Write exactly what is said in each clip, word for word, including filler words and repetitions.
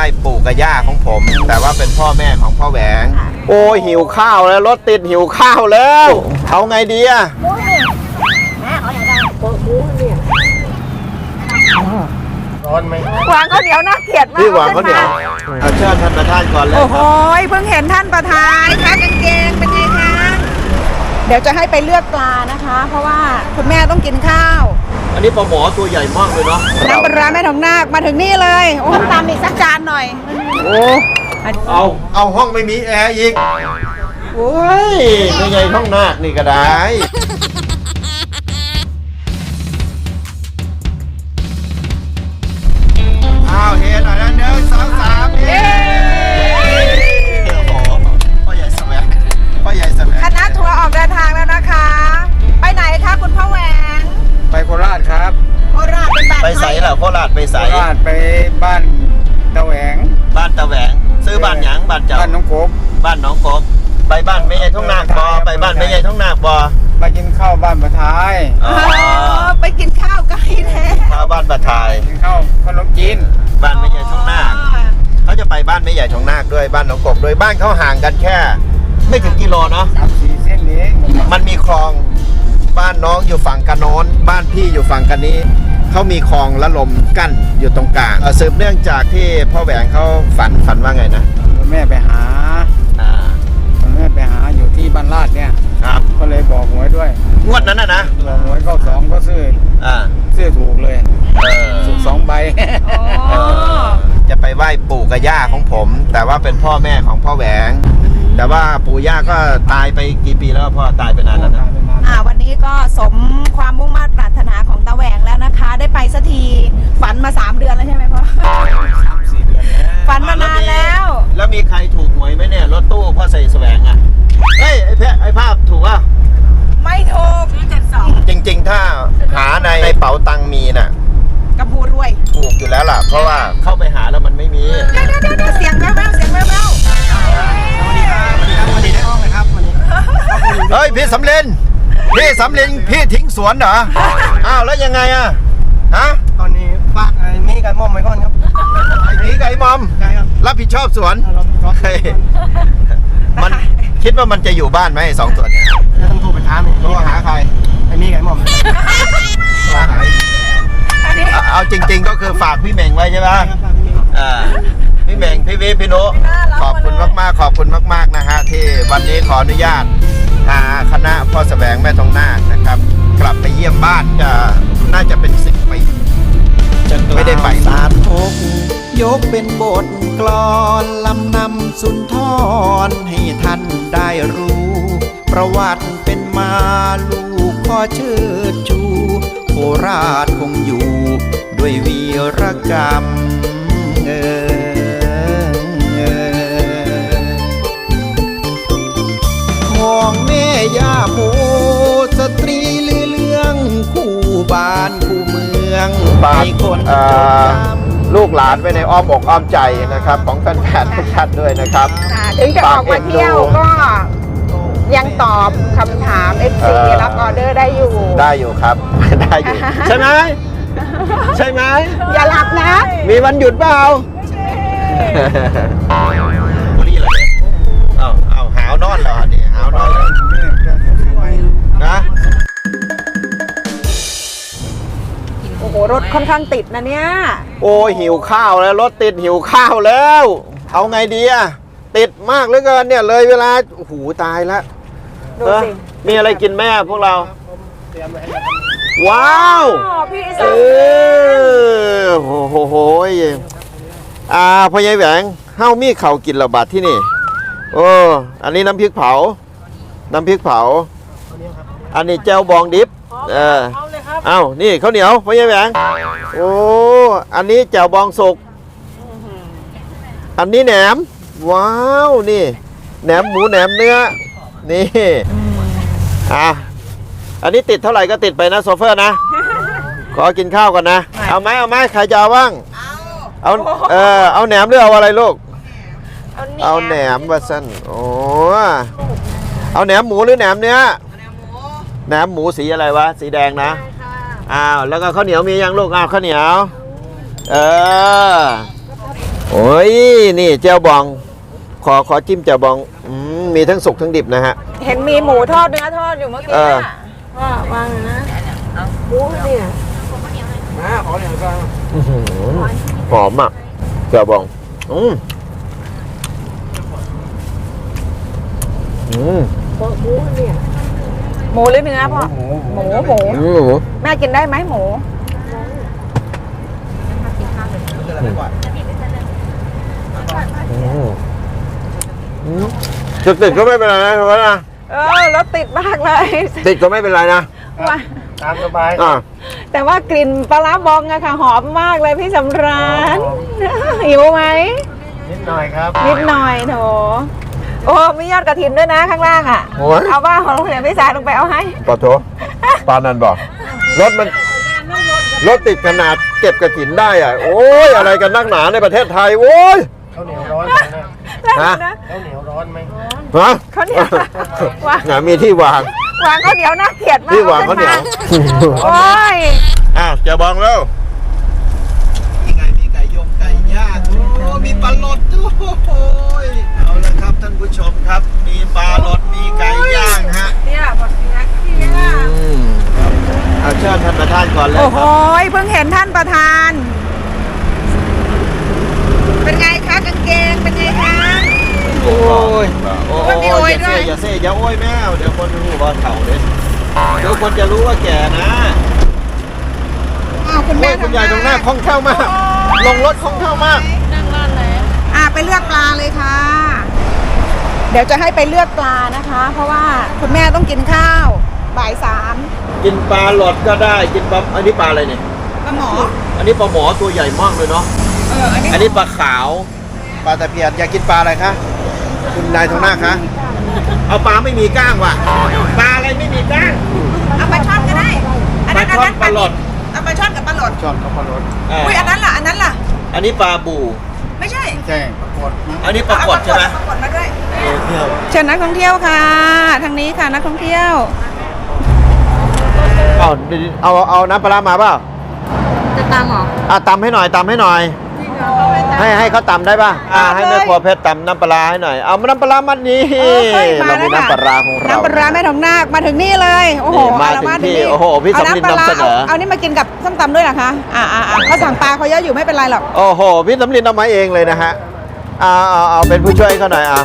ปู่กับย่าของผมแต่ว่าเป็นพ่อแม่ของพ่อแหวงโอ้ยหิวข้าวแล้วรถติดหิวข้าวแล้วเอาไงดีอะร้อนไหมวางข้าวเหนียวน่าเกลียดมากพี่วางข้าวเหนียวเอาเชิญท่านประธานก่อนเลยโอ้โหเพิ่งเห็นท่านประธานคะกางเกงเป็นไงคะเดี๋ยวจะให้ไปเลือกปลานะคะ เพราะว่าคุณแม่ต้องกินข้าวอันนี้ปลาหมอตัวใหญ่มากเลยเนาะน้ำปลาร้าแม่ทองนาคมาถึงนี่เลยโอ้ตามอีกสักจานหน่อยโอ้เอาเอาห้องไม่มีแอร์อีกโอ้ยไม่ไงห้องนาคนี่ก็ได้อ้าวเห็นหน่อยนะหนึ่งสองสามเย้โอ้โหพ่อใหญ่แสวงพ่อใหญ่แสวงคณะทัวร์ออกเดินทางแล้วนะคะไปไหนคะคุณพ่อแหวงไปโคราชครับโคราชเป็นบ้านไปใสเหรอโคราชไปใสโคราชไปบ้านตะแหวงบ้านตะแหวงซื้อบ้านหยังบ้านเจ้าบ้านน้องโกบบ้านน้องกบไปบ้านไม่ใหญ่ท้องนาคบอไปบ้านไม่ใหญ่ท้องนาคบอไปกินข้าวบ้านประทายอ๋อไปกินข้าวไกลแท้ข้าวบ้านประทายกินข้าวขนมจีนบ้านไม่ใหญ่ท้องนาคเขาจะไปบ้านไม่ใหญ่ท้องนาคด้วยบ้านน้องกบโดยบ้านเขาห่างกันแค่ไม่ถึงกิโลเนาะสามสี่เส้นเองมันมีคลองบ้านน้องอยู่ฝั่งกันโน้นบ้านพี่อยู่ฝั่งกันนี้เขามีคลองละลมกั้นอยู่ตรงกลางสืบเนื่องจากที่พ่อแหวงเขาฝันฝันว่าไงนะแม่ไปหาอ่าแม่ไปหาอยู่ที่บ้านลาดเนี่ยครับก็เลยบอกหวยด้วยงวดนั้นนะนะบอกหวยเข้าสองก็ซื้ออ่าซื้อถูกเลยเออถูกสองใบจะไปไหว้ปู่กับย่าของผมแต่ว่าเป็นพ่อแม่ของพ่อแหวงแต่ว่าปู่ย่าก็ตายไปกี่ปีแล้วพ่อตายไปนานแล้วนะอ่าวันนี้ก็สมความมุ่งมั่นปรารถนาของตาแหวงแล้วนะคะได้ไปสักทีฝันมาสามเดือนแล้วใช่ไหมพ่อฝันมานานแล้วแล้วมีใครถูกหวยไหมเนี่ยรถตู้พ่อใส่แสวงอ่ะเฮ้ยไอ้แพะไอ้ภาพถูกอ่ะไม่ถูกเจ็ดสองจริงๆถ้าหาในในเป๋าตังมีน่ะกระพูรวยถูกอยู่แล้วล่ะเพราะว่าเข้าไปหาแล้วมันไม่มีเสียงแว่วๆเสียงแว่วเฮ้ยพี่สำเร็จพี่สำเร็จพี่ทิ้งสวนเหรออ้าวแล้วยังไงอ่ะฮะตอนนี้ฝากไอ้มีไก่มอมไว้ก่อนครับไอ้มีไก่มอมใช่ครับรับผิดชอบสวนมันคิดว่ามันจะอยู่บ้านไหมสองตัวเนี่ยต้องโทรไปถามโทรหาใครไอ้มีไก่มอมเอาจริงๆก็คือฝากพี่เหม่งไว้ใช่ไหมอ่าพี่เหม่งพี่วิพี่นุขอบคุณมากๆขอบคุณมากๆนะฮะที่วันนี้ขออนุญาตพาคณะพ่อแสวงแม่ทองนาคนะครับกลับไปเยี่ยมบ้านจะน่าจะเป็นสิบปีไม่ได้ไปสาธกยกเป็นบทกลอนลำนำสุนทรให้ท่านได้รู้ประวัติเป็นมาลูกขอเชิดชูโคราชคงอยู่ด้วยวีรกรรมเอของแม่ย่าโมสตรีลือเรื่องคู่บ้านคู่เมืองให้คนลูกหลานไปในอ้อมอกอ้อมใจนะครับของแฟนๆทุกท่านด้วยนะครับถึงจะออกมาเที่ยวก็ยังตอบคำถาม เอฟ ซี รับออเดอร์ได้อยู่ได้อยู่ครับได้อยู่ใช่ไหมใช่ไหมอย่าหลับนะมีวันหยุดเปล่าบุรีเหรอเนี่ยเอาเอาหาวนอนเหรอเนี่ยหาวนอนเลยนะโอ้โหรถค่อนข้างติดนะเนี่ยโอ้หิวข้าวแล้วรถติดหิวข้าวแล้วเอาไงดีอะติดมากเหลือเกินเนี่ยเลยเวลาโอ้โหตายแล้วดูสิมีอะไรกินแม่พวกเราว้าวพี่เออโอ้โหโหอ่าพ่อใหญ่แหวงเฮ้ามีเข่ากินระบาดที่นี่โอ้อันนี้น้ำพริกเผาน้ำพริกเผาอันนี้แจ่วบองดิบเออเอ้านี่ข้าวเหนียวพ่อใหญ่แหวงโอ้อันนี้แจ่วบองสุกอันนี้แหนมว้าวนี่แหนมหมูแหนมเนื้อนี่อ่ะอันนี้ติดเท่าไหร่ก็ติดไปนะโซเฟอร์นะขอกินข้าวก่อนนะเอาไหมเอาไหมใครจะเอาบ้างเอาเออเอาแหนมหรือเอาอะไรลูกเอาแหนมวาซันโอ้เอาแหนมหมูหรือแหนมเนื้อแหนมหมูสีอะไรวะสีแดงนะอ้าวแล้วก็ข้าวเหนียวมียังลูกอ้าวข้าวเหนียวเออโอ้ยนี่เจียวบอง ขอขอจิ้มเจียวบองอืมมีทั้งสุกทั้งดิบนะฮะเห็นมีหมูทอดเนื้อทอดอยู่เมื่อกี้เออน่ะว่าวางเลยนะหมูเนี่ยมาขอเหนียวก่อนอื้อหือหอมอ่ะเจียวบองอืมอืมหมูหรือเนื้อพ่อหมูหมูหมูอืมหมูแม่กินได้ไหมหมูอืมอืมจะติดก็ไม่เป็นไรนะเพราะนะเออรถติดมากเลยติดก็ไม่เป็นไรนะว่าตามสบายอ่าแต่ว่ากลิ่นปลาร้าบองอะค่ะหอมมากเลยพี่สำราญหิวไหมนิดหน่อยครับนิดหน่อยโถโอ้มียอดกระถินด้วยนะข้างล่างอ่ะโอ้ยเอาว่าของเหลือพี่สายลงไปเอาให้ปะโถปานันบอกรถมันรถติดขนาดเก็บกระถินได้อ่ะ โอ้ยอะไรกันนักหนาในประเทศไทยโอ้ยข้าวเหนียวร้อนไหมนะฮะนะข้าวเหนียวร้อนไหมฮะข้าวเหนียววางหามีที่วางวางข้าวเหนียวน่าเกลียดมากที่วางข้าวเหนียวโอ้ยอ้าวจะบองแล้วมีไก่มีไก่ยงไก่ย่างโอ้มีปลาหลดด้วยเอาละครับท่านผู้ชมครับ มีปลาหลดมีไก่ย่างฮะเนี่ยบอกเนี่ยอืมเอาเชิญท่านประธานก่อนเลยโอ้คโหรับเพิ่งเห็นท่านประธาน เป็นไงคะกางเกงเป็นไงคะโอ้ยโอ้มันมียโอยอย่าด้เซ่วยอย่าเซ่อย่าโอ้ยแมวเดี๋ยวคนรู้ว่าเถ่าเลยเดี๋ยวคนจะรู้ว่าแก่นะอ้าวคุณโอ้แม่ยคุณยายตรงหน้าคล่องแคล่วมาก ลงรถคล่องแคล่วมากอ่าไปเลือกปลาเลยค่ะ เดี๋ยวจะให้ไปเลือกปลานะคะ เพราะว่าคุณแม่ต้องกินข้าวบ่ายสามกินปลาหลดก็ได้ กินปลา อันนี้ปลาอะไรเนี่ยปลาหมออันนี้ปลาหมอตัวใหญ่มากเลยเนาะเอออันนี้อันนี้ปลาขาว ปลาตะเพียนอยากกินปลาอะไรคะ คุณนายตรงหน้าคะ เอาปลาไม่มีก้างว่ะ ปลาอะไรไม่มีก้างเอาปลาช่อนก็ได้อันนั้นปลาช่อนอัปลาหลดเอาปลาช่อนกับปลาหลดช้อนข้าวโพดอ่าอุ้ยอันนั้นล่ะอันนั้นล่ะอันนี้ปลาบูไม่ใช่แจ้งปรากฏนะอันนี้ปลากดใช่ไหมปลากดมาด้วยเออเที่ยวเชิญนักท่องเที่ยวค่ะ ทางนี้ค่ะนักท่องเที่ยวเอาเอาเอาน้ำปลาร้ามาเปล่าจะตามหรออ่ะตำให้หน่อยตำให้หน่อย ให้ให้เขาตำได้ป่ะอ่าให้แม่ครัวเพชรตำน้ำปลาร้าให้หน่อย เอาน้ำปลาร้ามัดนี้เออเฮ้ยมาเราแล้มีวค่ะน้ำปลาร้าของเราน้ำปลาร้าแม่ทองนาคมาถึงนี่เลย โอ้โหนี่มาเอละถึงที่นี่โอ้โหพี่เอาสำลินน้ำปลาร้านำเสนอเอาเอานี่มากินกับส้มตำด้วยเหรอคะ อ่าอ่าอ่าเขาสั่งปลาเขาเยอะอยู่ไม่เป็นไรหรอกโอ้โห พี่สำลินเอามาเองเลยนะฮะเอาเอาเอาเป็นผู้ช่วยเขาหน่อยอ่ะ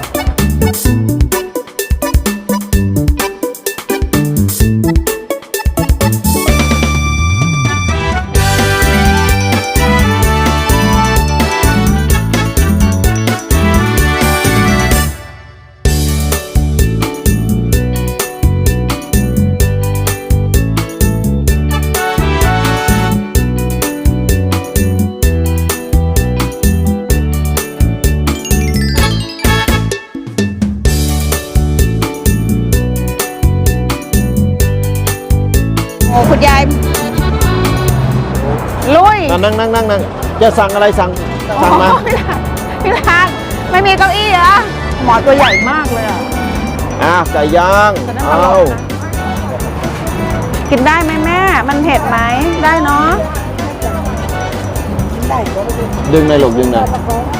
โอ้คุณยาย ลุยนั่งนั่งนั่งนั่งนั่งจะสั่งอะไรสั่งสั่งมาโอ้พี่ลานพี่ลานไม่มีเก้าอี้เหรอหมอตัวใหญ่มากเลยอ่ะอ่ะไก่ย่างจะได้เอามาลองนะกินได้ไหมแม่ มันเผ็ดไหม ได้เนาะดึงในอยลูกดึงในอย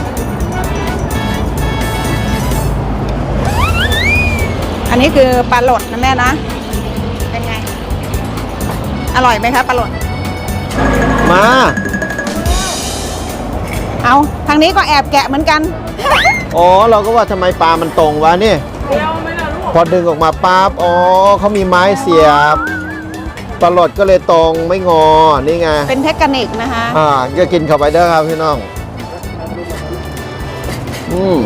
อันนี้คือปลาหลดนะแม่นะ เป็นไง อร่อยไหมคะปลาหลดมาเอาทางนี้ก็แอบแกะเหมือนกันอ๋อเราก็ว่าทำไมปลามันตรงวะนี่พอดึงออกมาปั๊บอ๋อเขามีไม้เสียบปลาหลดก็เลยตรงไม่งอนี่ไงเป็นเทคนิคนะคะอ่าก็กินเข้าไปเด้อครับพี่น้องอืม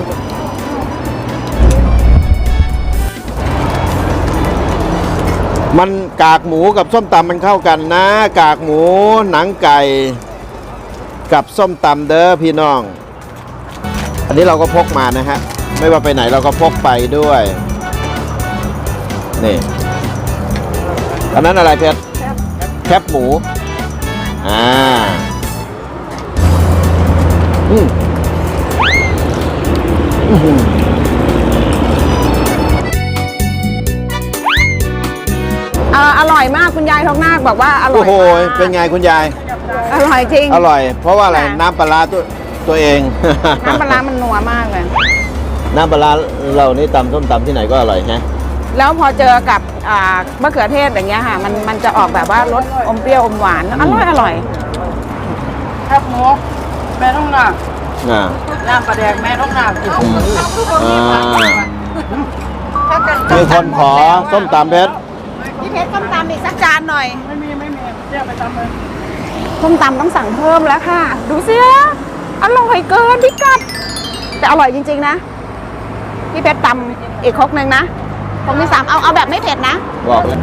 มันกากหมูกับส้มตำมันเข้ากันนะ กากหมูหนังไก่ กับส้มตำเด้อพี่น้อง อันนี้เราก็พกมานะฮะ ไม่ว่าไปไหนเราก็พกไปด้วย นี่ อันนั้นอะไรเพชรแคบหมู อ่า อืมอื้อหืออ่าอร่อยมากคุณยายทองนาคบอกว่าอร่โอ้อยโหมากเป็นไงคุณยายอร่อยจริงอร่อย เพราะว่าอะไร น้ำปลาร้าตัวตัวเองน้ำปลาร้ามันนัวมากเลยน้ำปลาร้าเรานี่ตำส้มตำที่ไหนก็อร่อยฮะแล้วพอเจอกับอ่ามะเขือเทศอย่างเงี้ยค่ะ มันมันจะออกแบบว่ารสอมเปรี้ยวอมหวานอร่อยอร่อยแคบหมูแม่ต้องหนักอ่าน้ำปลาแดงแม่ต้องหนักอืมอ่าถ้าเกิดมีคนขอส้มตำเพชรพี่เพชรส้มตำอีกสักจานหน่อยไม่มีไม่มีเรียกไปทำเลยส้มตำต้องสั่งเพิ่มแล้วค่ะ ดูสิอร่อยเกินพิกัดแต่อร่อยจริงๆนะพี่เพชรตำอีกครกหนึ่งนะผมมีสามเอาเอาแบบไม่เผ็ดนะบอกเลย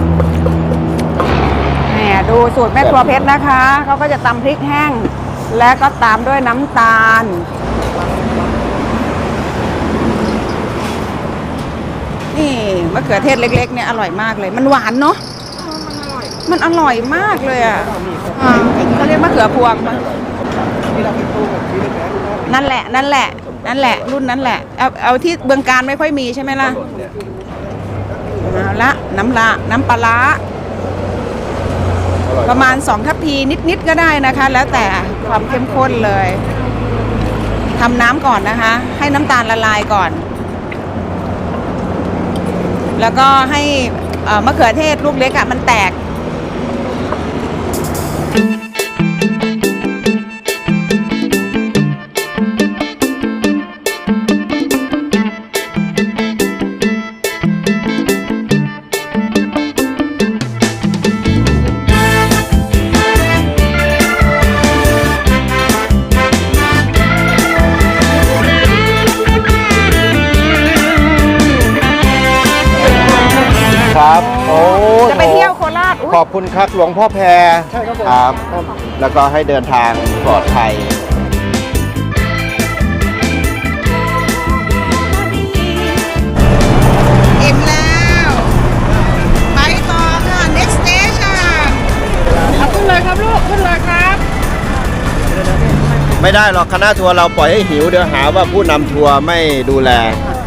แหมดูสูตรแม่ครัวเพชรนะคะเขาก็จะตำพริกแห้ง และก็ตามด้วยน้ำตาล นี่มะเขือเทศเล็กๆเนี่ยอร่อยมากเลย มันหวานเนาะมันอร่อยมากเลยอ่ะอ่าเขาเรียกมะเขือพวงปะนั่นแหละนั่นแหละ นั่นแหละ รุ่นนั้นแหละ เอาเอาที่เบืองการไม่ค่อยมีใช่ไหมล่ะเอาละน้ำละน้ำปลาร้าประมาณสองทัพพีนิดๆก็ได้นะคะ แล้วแต่ความเข้มข้นเลยทำน้ำก่อนนะคะ ให้น้ำตาลละลายก่อน แล้วก็ให้เอ่อมะเขือเทศลูกเล็กอะมันแตกครับ โอ้จะไปเที่ยวโคราชอุ๊ยขอบคุณครับหลวงพ่อแพรครับ แล้วก็ให้เดินทางปลอดภัยอิ่มแล้ว ไปต่อค่ะ next station เอาขึ้นเลยครับลูกขึ้นเลยครับไม่ได้หรอกคณะทัวร์เราปล่อยให้หิวเดี๋ยวหาว่าผู้นำทัวร์ไม่ดูแล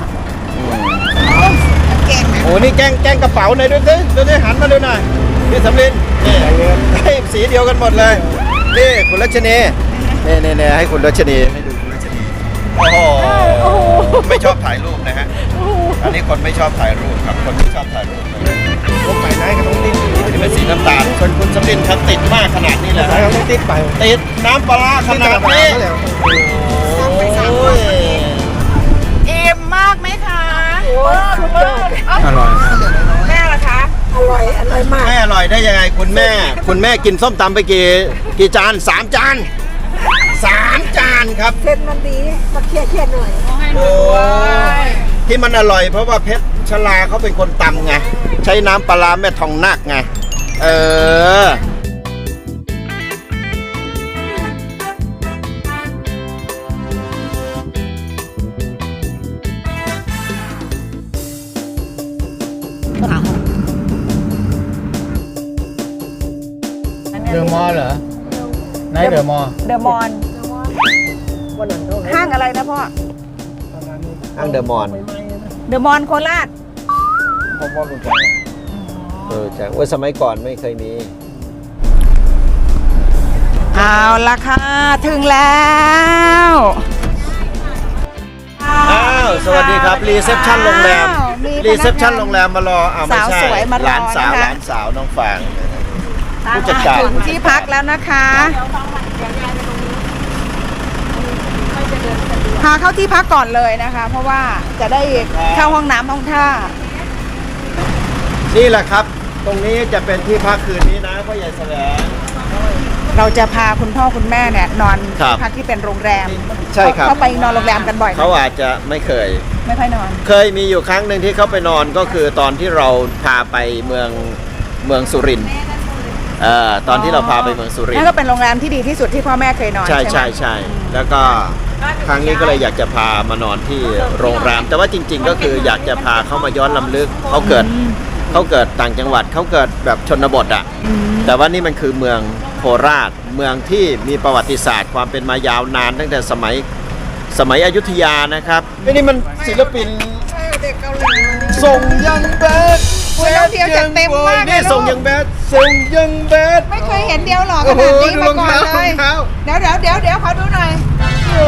เก่งนะโอ้นี่แกล้งแกล้งกระเป๋าหน่อยด้วยสิดูสิหันมาดูหน่อยพี่สำลินนี่ให้สีเดียวกันหมดเลยนี่คุณรัชนีนี่นี่นี่ให้คุณรัชนีให้ดูคุณรัชนีโอ้โหไม่ชอบถ่ายรูปนะฮะอันนี้คนไม่ชอบถ่ายรูปครับคนที่ชอบถ่ายรูปพวกไปไหนก็ต้องติดนี่เป็นสีน้ำตาลคนคุณสำลินเขาติดมากขนาดนี้เลยต้องติดไปติดน้ำปลาร้าขนาดนี้โอ้ยอิ่มมากไหมคะอร่อยครับแม่ล่ะคะไม่อร่อยได้ยังไงคุณแม่ คุณแม่กินส้มตำไปกี่กี่จานสามจานสามจานครับเส้นมันดีมาเคี่ยวเคี่ยวหน่อยโอ้ที่มันอร่อยเพราะว่าเพชรชลาเขาเป็นคนตำไงใช้น้ำปลาร้าแม่ทองนาคไงเออเดอะมอลล์เหรอไหนเดอะมอลล์เดอะมอนห้างอะไรนะพ่อห้างเดอะมอนเดอะมอนโคราชผมว่ารู้จักเออจ้ะว่าสมัยก่อนไม่เคยมีเอาละค่ะ ถึงแล้วอ้าวสวัสดีครับรีเซพชันโรงแรมมีพนักงานรีเซพชันโรงแรมมารออ้าวไม่ใช่สาวสวยมารอหลานสาวนะคะหลานสาวน้องฟางผู้จัดการถึงที่พักแล้วนะคะพาเข้าที่พักก่อนเลยนะคะ เพราะว่าจะได้เข้าห้องน้ำห้องท่านี่แหละครับ ตรงนี้จะเป็นที่พักคืนนี้นะพ่อใหญ่แสวงเราจะพาคุณพ่อคุณแม่เนี่ยนอนครับพักที่เป็นโรงแรมใช่ครับเขาไปนอนโรงแรมกันบ่อยไหมเขาอาจจะไม่เคยไม่ค่อยนอนเคยมีอยู่ครั้งหนึ่งที่เขาไปนอนก็คือตอนที่เราพาไปเมืองเมืองสุรินทร์เอ่อตอนที่เราพาไปเมืองสุรินทนั่นร์ก็เป็นโรงแรมที่ดีที่สุดที่พ่อแม่เคยนอนใช่ไหมใช่ใช่แล้วก็ครั้งนี้ก็เลยอยากจะพามานอนที่โรงแรม แต่ว่าจริง ๆ ก็คืออยากจะพาเขามาย้อนลำลึกเขาเกิดเขาเกิดต่างจังหวัดเขาเกิดแบบชนบทอ่ะแต่ว่านี่มันคือเมืองโคราช เมืองที่มีประวัติศาสตร์ ความเป็นมายาวนานตั้งแต่สมัยสมัยอยุธยานะครับนี่มันศิลปินเด็กเกาหลีส่งยังแบดโอ้ยน้องเที่ยวจัดเต็มมากเลยนี่ลูกส่งยังแบดส่งยังแบดไม่เคยเห็นเดียวหรอขโอ้โหนาดนี้ดูมารองก่อนเท้าเลรอย งเท้าเดี๋ยวเดี๋ยวเดี๋ยวเดี๋ยวขอดูหน่อยโอ้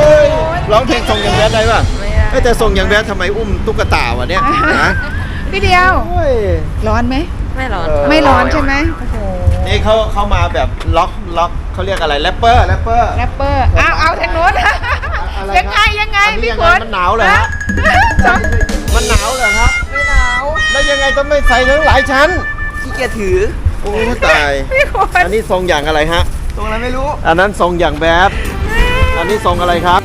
ร้องเพลงทรงอย่างแบดได้ป่ะไม่แต่ทรงอย่างแบดทำไมอุ้มตุ๊กตาวะเนี่ยนะพี่เดียวโอ้ยร้อนไหมไม่ร้อนเไม่ร้อนใช่ไหมโอ้โหนี่เขาเขามาแบบล็อกล็อกเขาเรียกอะไรแรปเปอร์แรปเปอร์แรปเปอร์เอาเอาทางโน้นอะไรยังไงยังไงอันนี้พี่ยังฝไงนมันหนาวเหรอฮะฮะมันหนาวเหรอครับไม่หนาวแล้วยังไงต้องไม่ใส่ทั้งหลายชั้นขี้เกียจถือโอ้ตายพี่ฝนอันนี้ทรงอย่างอะไรฮะตรงนั้นไม่รู้อันนั้นทรงอย่างแบดอันนี้ทรงอะไรครับ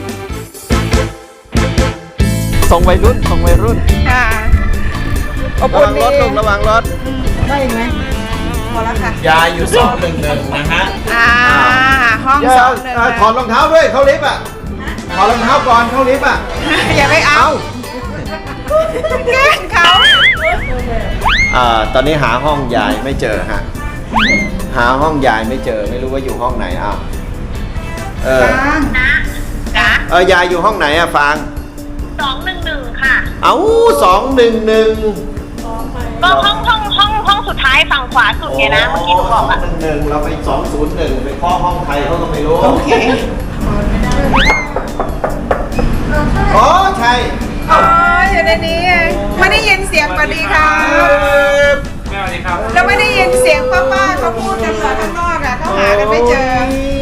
ทรงวัยรุ่นทรงวัยรุ่นค่ะอบระอุ่วัน งดีรถลงระวังรถได้อีกไหมพอแล้วค่ะยายอยู่สองหนึ่งหนึ่งนะฮะอ่าห้องอย่าสองหนึ่งเอ่อถอดรองเท้าด้วยเข้าลิฟต์อ่ะถอดรองเท้าก่อนเข้าลิฟต์อ่ะอย่าไปเอาเอาแกล้งเขาอ่าตอนนี้หาห้องยายไม่เจอฮะหาห้องยายไม่เจอไม่รู้ว่าอยู่ห้องไหนอ้าวเออจ้ะเออยายอยู่ห้องไหนอะฟางสองหนึ่งหนึ่งค่ะเอ้าสองหนึ่งหนึ่งก็ห้องห้องห้องห้องสุดท้ายฝั่งขวาสุดไงนะ เมื่อกี้หนูบอกอะหนึ่งหนึ่งเราไปสองศูนย์หนึ่งไปเคาะห้องใครเขาก็ไม่รู้โอเคอ๋อใช่อ๋ออยู่ในนี้เองไม่ได้ยินเสียงสวัสดีค่ะเราไม่ได้ยินเสียงป้าๆเขาพูดกันเหรอข้างนอกอะเขาหากันไม่เจอ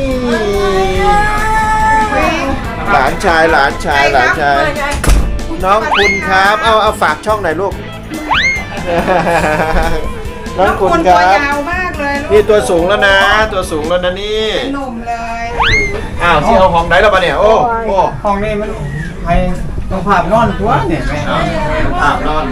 หลานชายหลานชายหลานชาย น้องคุณครับ เอาเอาฝากช่องหน่อยลูก น้องคุณคตัวรับยาวมากเลยลูนี่กตัวสูงแล้วนะ ตัวสูงแล้วนะนี่หนุ่มเลยอ้าวที่เอาห้องไหนแล้วปะเนี่ย โอ้โอ้ห้องนี้มันให้ต้องภาพนอนตัวเนี่ยไม่เอาอาบนอน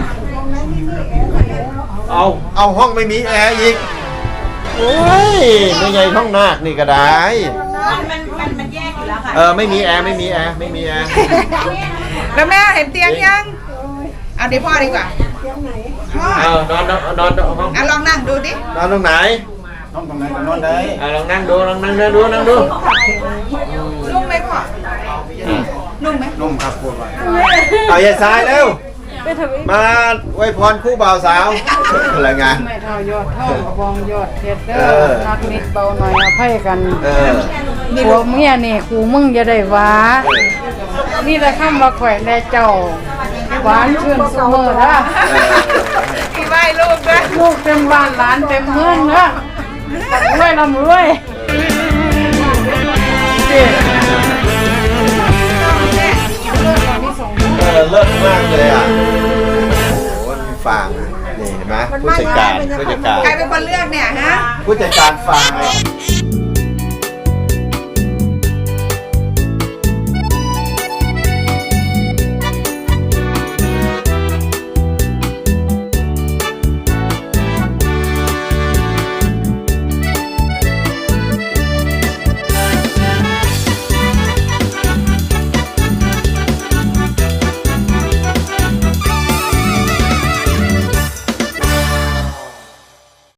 เอา เอาห้องไม่มีแอร์อีก โอ้ยไม่ไงห้องนาคนี่ก็ได้มันมันมันแยกอยู่แล้วค่ะเออไม่มีแอร์ไม่มีแอร์ไม่มีแอร์แล้วแม่เห็นเตียงยัง เอาดิพ่อดีกว่าพ่อเอานอนนอนนอนนอนห้องอ่ะลองนั่งดูดินอนตรงไหนนอนตรงไหนก็นอนได้อ่ะลองนั่งดูลองนั่งดูนั่งดูนุ่มไหมพ่อ นุ่มไหมนุ่มครับพูดไว้เอาอย่าสายเร็ว มาอวยพรคู่บ่าวสาวอะไรงานไม่เท่ายอดเท่ากระบองยอดเท็ดเด้เอออนักนิดเบาหน่อยอภัยกันเออผัวเมียนี่กูมึงจะได้หวานี่แหละคำว่าแขวนแด่เจ้า หวานชื่นเสมอนะมีไหว้ลูกด้วยลูกเต็มบ้านหลานเต็มเมืองนะรวยลำรวยเจ๊เออเลิศมากเลยอ่ะ โอ้โหมันฟางอ่ะนี่เห็นไหมผู้จัดการผู้จัดการใครเป็นคนเลือกเนี่ยฮะผู้จัดการฟาง